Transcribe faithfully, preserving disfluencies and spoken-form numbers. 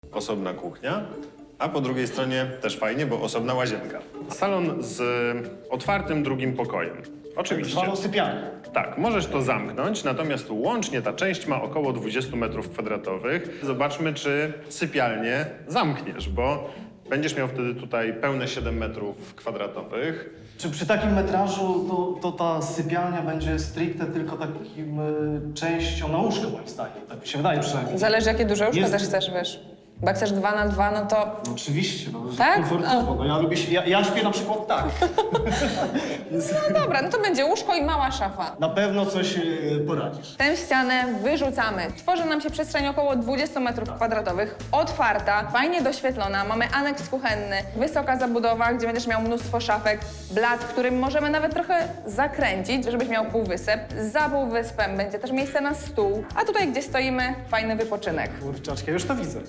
osobna kuchnia, a po drugiej stronie też fajnie, bo osobna łazienka. Salon z otwartym drugim pokojem. Oczywiście. Zwaną sypialnię. Tak, możesz to zamknąć, natomiast łącznie ta część ma około dwadzieścia metrów kwadratowych. Zobaczmy, czy sypialnię zamkniesz, bo będziesz miał wtedy tutaj pełne siedem metrów kwadratowych. Czy przy takim metrażu to, to ta sypialnia będzie stricte tylko takim y, częścią na łóżko, moim zdaniem? Tak mi się wydaje przynajmniej. Zależy, jakie duże łóżko Jest- też chcesz, wiesz. Bo jak chcesz dwa na dwa, no to... No, oczywiście, no, Tak? komfortowo. No, ja, lubię się, ja, ja śpię na przykład tak. Jest, No dobra, no to będzie łóżko i mała szafa. na pewno coś y, poradzisz. Tę ścianę wyrzucamy. Tworzy nam się przestrzeń około dwadzieścia metrów kwadratowych, otwarta, fajnie doświetlona. Mamy aneks kuchenny, wysoka zabudowa, gdzie będziesz miał mnóstwo szafek, blat, którym możemy nawet trochę zakręcić, żebyś miał półwysep. Za półwyspem będzie też miejsce na stół, a tutaj, gdzie stoimy, fajny wypoczynek. Kurczaczki, ja już to widzę.